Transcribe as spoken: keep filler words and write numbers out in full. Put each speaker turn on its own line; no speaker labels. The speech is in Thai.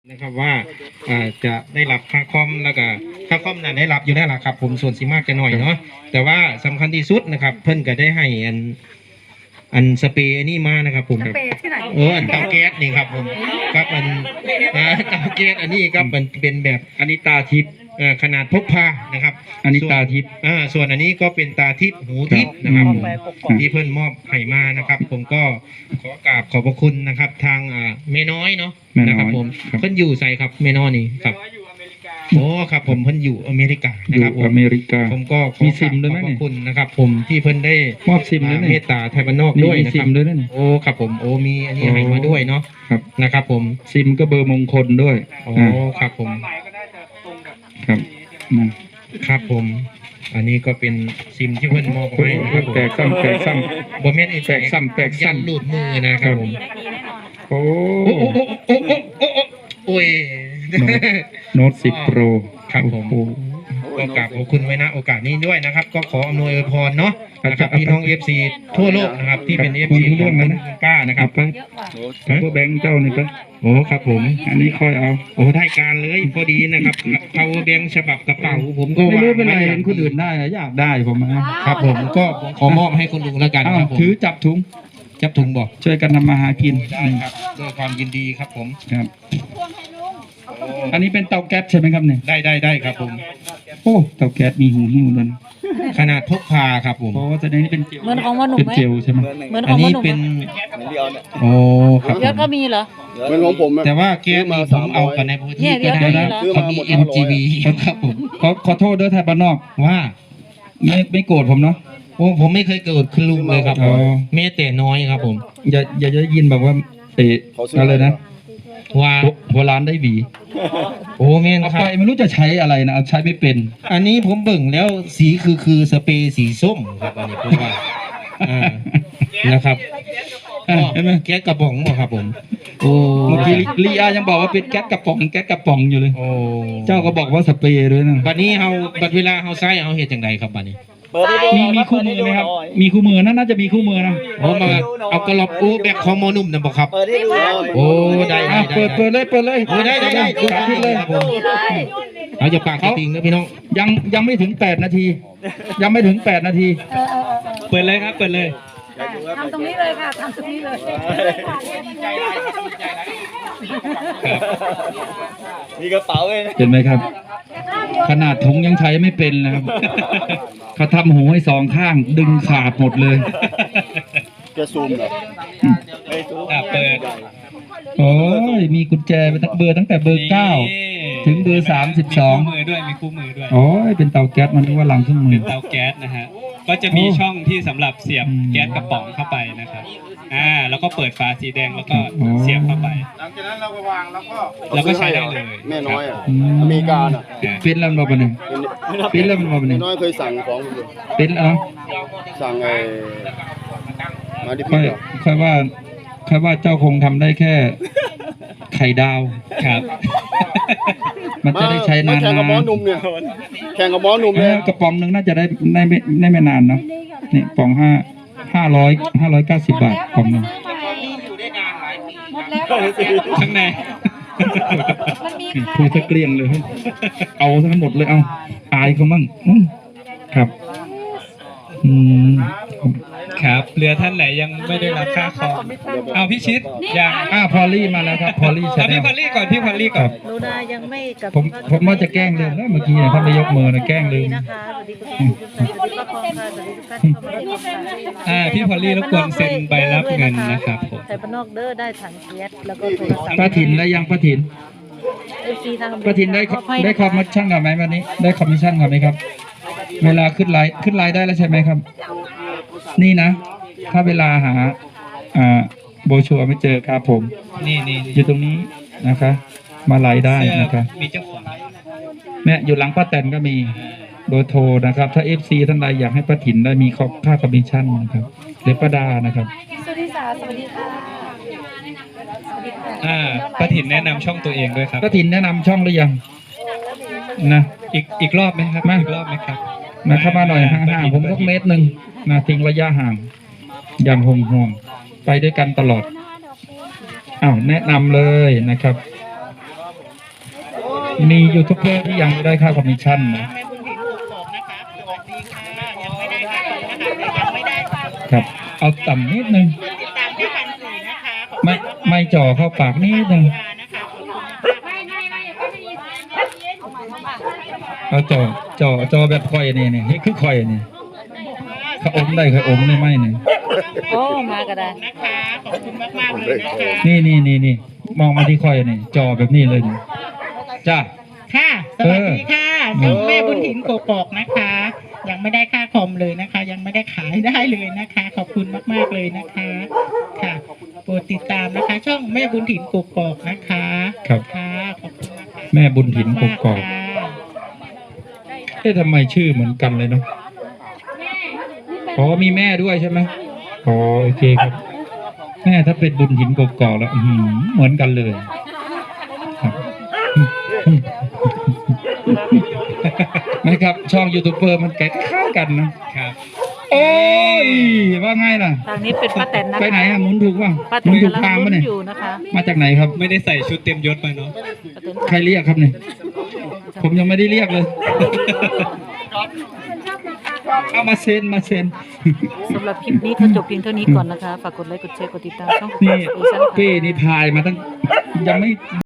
นะครับว่าจะได้รับค่าคอมแล้วก็ค่าคอมนั้นได้รับอยู่แล้วล่ะครับผมส่วนสีมากจะหน่อยเนาะแต่ว่าสำคัญที่สุดนะครับเพิ่นก็ได้ให้อันอันสเปรย์นี่มานะครับผมเอออันเตาแก๊สนี่ครับผมครับอันเตาแก๊สอันนี้ครับมันเป็นแบบอันนี้ตาทิพย์ขนาดพกพานะครับอันนี้ตาทิพย์อ่าส่วนอันนี้ก็เป็นตาทิพย์หูทิพย์นะครับที่เพิ่นมอบให้มานะครับผมก็ขอกราบขอบพระคุณนะครับทางอ่าแม่น้อยเนาะนะครับผมเพิ่นอยู่ใส่ครับแม่น้อยนี่ครับโอ้ครับผมเพิ่นอยู่อเมริกานะครับผมอเมริกาผมก็มีซิมด้วยไหมขอบคุณนะครับผมที่เพิ่นได้มอบซิมเมตตาไทยบ้านนอกด้วยนะครับโอ้ครับผมโอ้มีอันนี้ให้มาด้วยเนาะนะครับผมซิมก็เบอร์มงคลด้วยโอ้ครับผมครับครับผมอันนี้ก็เป็นซิมที่เพิ่นมอบให้นะครับแตกซ้ำแตกซ้ำบ่แม่นแตกซ้ำแตกซ้ำหลุดมือนะครับผมโอ้โอ้โอ้โอ้โอ้โอ้โอ้ยโน้ตสิบโปรครับผมก็กราบขอบคุณไว้นะโอกาสนี้ด้วยนะครับก็ขออำนวยพรเนาะนะครับพี่น้อง เอฟ ซี ทั่วโลกนะครับที่เป็น เอฟ ซี ของคุณป้านะครับไปพวกแบงค์เจ้านี่ไปโอ้ครับผมอันนี้ค่อยเอาโอ้ได้การเลยพอดีนะครับเอาแบงค์ฉบับกระเป๋าผมก็ไม่รู้เป็นไรเห็นคนอื่นได้อยากได้ผมครับผมก็ขอมอบให้คุณลุงแล้วกันครับผมถือจับถุงจับถุงบอกช่วยกันทำมาหากินได้ครับด้วยความยินดีครับผมครับอันนี้เป็นเตาแก๊สใช่ไหมครับเนี่ยได้ได้ได้ครับผมโอ้เตาแก๊สมีหูหิ้วนั่นขนาดพกพาครับผมเพราะว่าตัวนี้เป็นเจล
เหมือนของพ่อหนุ่มไหม
เป็นเจลใช่ไหม
เหมือนของพ่อหนุ่ม
เป็นโอ้ครับ
เยอะก็มีเหรอ
เหมือนของผม
แต่ว่าแก๊สมีผมเอากันในพื้นที่ก็ได้นะเขามี เอ็ม จี วี ครับผมขอขอโทษด้วยไทยบ้านนอกว่าไม่ไม่โกรธผมเนาะโอ้ผมไม่เคยโกรธคุณลุงเลยครับเมตแต่น้อยครับผมอย่าอย่าจะยินแบบว่าเตะอะไรนะว่าโบราณได้หวีโอ้แม่นครับไม่รู้จะใช้อะไรนะใช้ไม่เป็นอันนี้ผมเบิ่งแล้วสีคือคือสเปรย์สีส้มครับอันนี้ผมว่านะครับเห็นไหมแก๊สกระป๋องบ่ครับผมโอ้เมื่อกี้ลีอายังบอกว่าเป็นแก๊สกระป๋องแก๊สกระป๋องอยู่เลยโอ้เจ้าก็บอกว่าสเปรย์ด้วยนะบัดนี้เฮาบัดเวลาเฮาใช้เฮาเฮ็ดจังไดครับบัดนี้มีมีคู่มือไหมครับมีคู่มือน่าจะมีคู่มือนะโอ้มาเอากระลอบโอ้แบบของโมนุ่มนะบอกครับโอ้ได้ได้เปิดเปิดเลยเปิดเลยโอ้ได้ได้ได้ดูขึ้นเลยเอาจะปากจริงนะพี่น้องยังยังไม่ถึงแปดนาทียังไม่ถึงแปดนาทีเปิดเลยครับเปิดเลย
ทำตรงนี้เลยค่ะทำตรงนี้เลย
มีกระเป๋าเลย
เห็นไหมครับขนาดถุงยังใช้ไม่เป็นนะครับเขาทำหูให้สองข้างดึงขาดหมดเลย
จะซูมเหรอ
เปิดโอ้ยมีกุญแจเป็นเบอร์ตั้งแต่เบอร์เก้าถึงเบอร์สามสิบสอง
มีคู่มือด้วยมีคู่มือด้วย
โอ้ยเป็นเตาแก๊สมันนึกว่าลังเครื่องมือ
เป็นเตาแก๊สนะฮะก็จะมีช่องที่สำหรับเสียบแก๊สกระป๋องเข้าไปนะครับอ่าแล้วก็เปิดฝาสีแดงแล้วก็เสียบเข้าไป
หลังจากนั้นเราก็วางแล้วก็
แล้วก็ใช้ได้เลย
แม่น้อยอ่ะอเมริกาอ่ะ
เป็นแล้วมาปะเนี่ยเป็นแล้วมาปะเนี่ย
แม่น้อยเคยสั่งของ
เป็นเนาะ
สั่งไอ้มาดิ
ค่อยค่อยว่าค่อยว่าเจ้าคงทำได้แค่ไข่ดาว
ครับ
มันจะได้ใช้นานๆ
แข่งกับหมอหนุ่มเนี่ยแข่งกับหมอหนุ่มเนี่ย
กระป๋องนึงน่าจะได้ได้ไม่ได้ไม่นานเนาะนี่ป๋องห้าห้าร้อยห้าร้อยเก้าสิบบาทป๋องนึง
หมดแล้ว
ข้างใน
พูดซะเกลี้ยงเลยเอาทั้งหมดเลยเอาอายเขามั่งครับอืม
ครับเรือท่านไหนยังไม่ได้รับค่าคอมเอาพี่ชิดยัง
อ่าพอลลี่มาแล้วครับพอลลี่ใช่ไหม
พี่พอลลี่ก่อนพี่พอลลี่ก่อน
ลูนายังไม่กับ
ผมผมว่าจะแกล้งลืมแล้วเมื่อกี้ท่านได้ยกมือนะแกล้งลืม
อ่าพี่พอลลี่รบกวนเซ็นใบรับเงินนะครับผม
ไทยบ้านนอกเด้อได้ถังแก๊สแล้วก็โทรศัพท์
ป้าถิ่นได้ยังป้าถิ่นป้าถิ่นได้ได้คอมมิชชั่นกับไหมวันนี้ได้คอมมิชชั่นกับไหมครับเวลาขึ้นไลน์ขึ้นไลน์ได้แล้วใช่ไหมครับนี่นะถ้าเวลาหาอ่าโบชัวไม่เจอครับผม
นี่นี่
อยู่ตรงนี้นะคะมาไลน์ได้นะครับ
มีเจ้าของ
แม่อยู่หลังป้าแตนก็มีเบอร์โทรนะครับถ้า เอฟ ซี ท่านใดอยากให้ป้าถิ่นได้มีค่าคอมมิชชั่นนะครับหรือป้าดานะครับ
สวัสดีค่ะสวัสดีค่ะ
อ่าป้าถิ่นแนะนำช่องตัวเองด้วยครับ
ป้าถิ่นแนะนำช่องหรือยังนะ
อีกอีกรอบไหมครับ
มา
อีกรอบไหมครับ
มาเข้ามาหน่อยห่างๆผมสักเมตรหนึ่งมาทิ้งระยะห่างอย่างห่วงๆไปด้วยกันตลอดอ้าวแนะนำเลยนะครับ
มียูทูบเบอร์ที่ยังไม่ได้ค่าคอมมิชชั่นนะ
แม่บุญถิ่นถูกบอกนะคะสวัสดีค่ะยังไม่ได้ค่ะนะคะยังไม่ได้ค่ะ
ครับ เอาต่ำนิดนึง
ติดตามที่พันสี่นะคะขอบคุณ
ไม่ไม่จ่อเข้าปากนิดนึง
นะคะขอบคุณมาก
เอาจ่อจ่อจ่อแบบคอยนี่นี่นี่คือคอยนี่เขาอมได้เขาอมได้ไหมนี่
โอ้มาก็ได้
นะคะขอบคุณมากมากๆเลยนะคะ
นี่นี่นี่นี่มองมาที่คอยนี่จ่อแบบนี้เลยนี่จ้า
ค่ะสวัสดีค่ะช่องแม่บุญถิ่นโกกอกนะคะ ยังไม่ได้ค่าคอมเลยนะคะ ยังไม่ได้ขายได้เลยนะคะ ขอบคุณมากๆเลยนะคะค่ะโปรดติดตามนะคะ ช่องแม่บุญถิ่นโกกอกนะคะ
ครับ
ค่ะขอบคุณนะคะ
แม่บุญถิ่นกกอก
ค่ะ
เอ๊ะทำไมชื่อเหมือนกันเลยเนาะอ๋อมีแม่ด้วยใช่ไหมอ๋อโอเคครับ แม่ถ้าเป็นบุญถิ่นกกอกแล้วอื้อหือเหมือนกันเลยครับนะครับ ช่องยูทูบเบอร์มันใกล้ๆกันนะครับ โอ้ยว่าไงล่ะ
ทางนี้เป็นป้าแตนนะคะ
ไปไหนอะหมุนถูกป่ะ
ป้าแต
หมุ
น
นถูก
กำลัง
ทาง
ลุ้
ป่ะ
น
เนี่ย
อยู่นะคะ
มาจากไหนครับ
ไม่ได้ใส่ชุดเต็มยศมาเนาะ
ป้าแตน
ใครเรียกครับเนี่ย ผมยังไม่ได้เรียกเลย เอามาเซ็นมาเซ็น
สำหรับคลิปนี้ก็จบเพียงเท่านี้ก่อนนะคะ ฝากกดไลค์ กดแชร์ กดติดตามช่องของ
นี่
สเตชันค่ะ
เป้นี่พายมาตั้งยังไม่